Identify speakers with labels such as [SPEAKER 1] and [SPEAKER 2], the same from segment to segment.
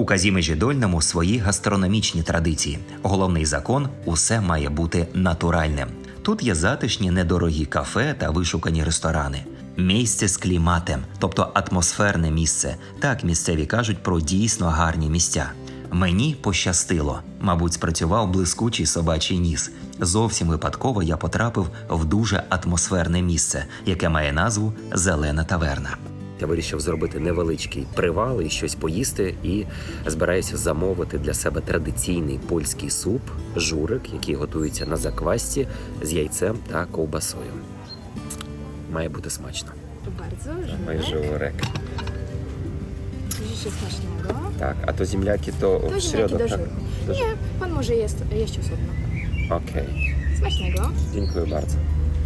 [SPEAKER 1] У Казімежі Дольному свої гастрономічні традиції. Головний закон – усе має бути натуральним. Тут є затишні недорогі кафе та вишукані ресторани. Місце з кліматем, тобто атмосферне місце. Так місцеві кажуть про дійсно гарні місця. Мені пощастило. Мабуть, спрацював блискучий собачий ніс. Зовсім випадково я потрапив в дуже атмосферне місце, яке має назву «Зелена таверна». Я вирішив зробити невеличкий привал і щось поїсти, і збираюся замовити для себе традиційний польський суп «Журик», який готується на заквасці з яйцем та ковбасою. Mає бути смачно.
[SPEAKER 2] Bardzo,
[SPEAKER 1] Мій журик.
[SPEAKER 2] Życzę smacznego.
[SPEAKER 1] Так, а то земляки то
[SPEAKER 2] To
[SPEAKER 1] в
[SPEAKER 2] ziemniaki
[SPEAKER 1] середу,
[SPEAKER 2] do
[SPEAKER 1] так?
[SPEAKER 2] żuru. Nie, pan może jeść osobno.
[SPEAKER 1] Окей.
[SPEAKER 2] Smacznego.
[SPEAKER 1] Дякую bardzo.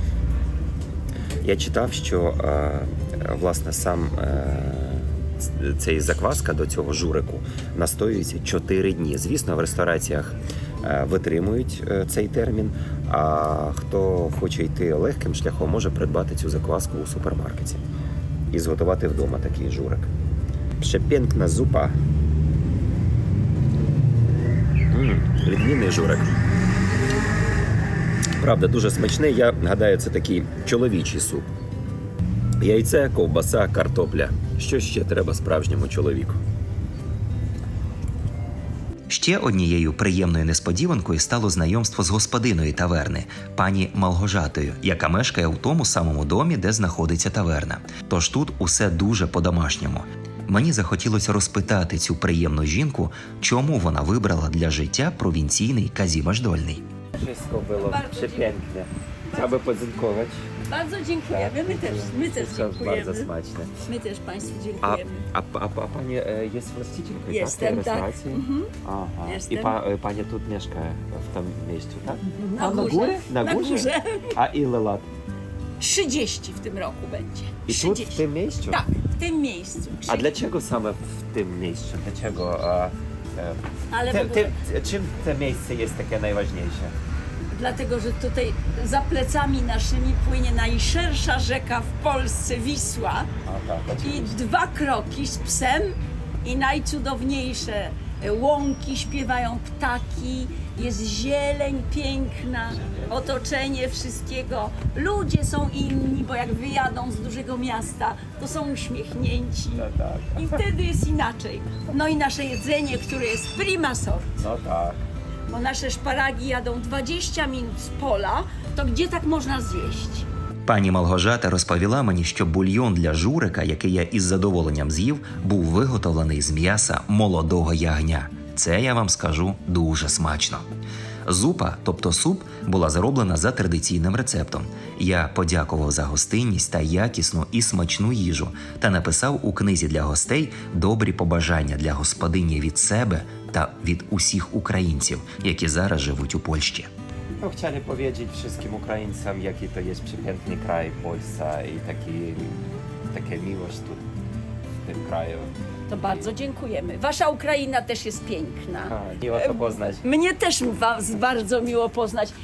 [SPEAKER 1] Я читав, що власне сам цей закваска до цього журику настоюється 4 дні. Звісно, в рестораціях витримують цей термін, а хто хоче йти легким шляхом, може придбати цю закваску у супермаркеті і зготувати вдома такий журик. Прzepiękna зупа. Відмінний журик. Правда, дуже смачний. Я гадаю, це такий чоловічий суп. Яйце, ковбаса, картопля. Що ще треба справжньому чоловіку? Ще однією приємною несподіванкою стало знайомство з господиною таверни, пані Малгожатою, яка мешкає у тому самому домі, де знаходиться таверна. Тож тут усе дуже по-домашньому. Мені захотілося розпитати цю приємну жінку, чому вона вибрала для життя провінційний Казімеж Дольний.
[SPEAKER 3] Wszystko było
[SPEAKER 2] Bardzo
[SPEAKER 3] przepięknie. Chciałbym podziękować.
[SPEAKER 2] Bardzo dziękujemy. My też
[SPEAKER 3] Wszystko bardzo
[SPEAKER 2] dziękujemy.
[SPEAKER 3] smaczne.
[SPEAKER 2] My też Państwu
[SPEAKER 3] A,
[SPEAKER 2] dziękujemy.
[SPEAKER 3] a pani jest właścicielką
[SPEAKER 2] Jestem,
[SPEAKER 3] tej
[SPEAKER 2] tak.
[SPEAKER 3] restauracji?
[SPEAKER 2] Mhm.
[SPEAKER 3] Aha.
[SPEAKER 2] Jestem.
[SPEAKER 3] I pani tu mieszka w tym miejscu, tak?
[SPEAKER 2] Na górze.
[SPEAKER 3] górze? Na
[SPEAKER 2] Na
[SPEAKER 3] górze?
[SPEAKER 2] górze.
[SPEAKER 3] A ile lat?
[SPEAKER 2] 30 w tym roku będzie.
[SPEAKER 3] I tu
[SPEAKER 2] 30.
[SPEAKER 3] w tym miejscu?
[SPEAKER 2] Tak, w tym miejscu.
[SPEAKER 3] A dlaczego same w tym miejscu? Dlaczego?
[SPEAKER 2] Ale w ogóle,
[SPEAKER 3] Czym to miejsce jest takie najważniejsze?
[SPEAKER 2] dlatego, że tutaj za plecami naszymi płynie najszersza rzeka w Polsce, Wisła.
[SPEAKER 3] A tak,
[SPEAKER 2] I 2 kroki z psem i najcudowniejsze łąki, śpiewają ptaki, jest zieleń piękna, otoczenie wszystkiego. Ludzie są inni, bo jak wyjadą z dużego miasta, to są uśmiechnięci.
[SPEAKER 3] tak.
[SPEAKER 2] I wtedy jest inaczej. No i nasze jedzenie, które jest prima sort,
[SPEAKER 3] No tak.
[SPEAKER 2] bo nasze szparagi jadą 20 minut z pola, to gdzie tak można zjeść?
[SPEAKER 1] Пані Малгожата розповіла мені, що бульйон для журика, який я із задоволенням з'їв, був виготовлений з м'яса молодого ягня. Це, я вам скажу, дуже смачно. Зупа, тобто суп, була зроблена за традиційним рецептом. Я подякував за гостинність та якісну і смачну їжу та написав у книзі для гостей добрі побажання для господині від себе та від усіх українців, які зараз живуть у Польщі.
[SPEAKER 3] No, chcieli powiedzieć wszystkim Ukraińcom, jaki to jest przepiękny kraj Polska i taka miłość tu w tym kraju.
[SPEAKER 2] To bardzo dziękujemy. Wasza Ukraina też jest piękna.
[SPEAKER 3] Miło to poznać.
[SPEAKER 2] Mnie też was bardzo miło poznać.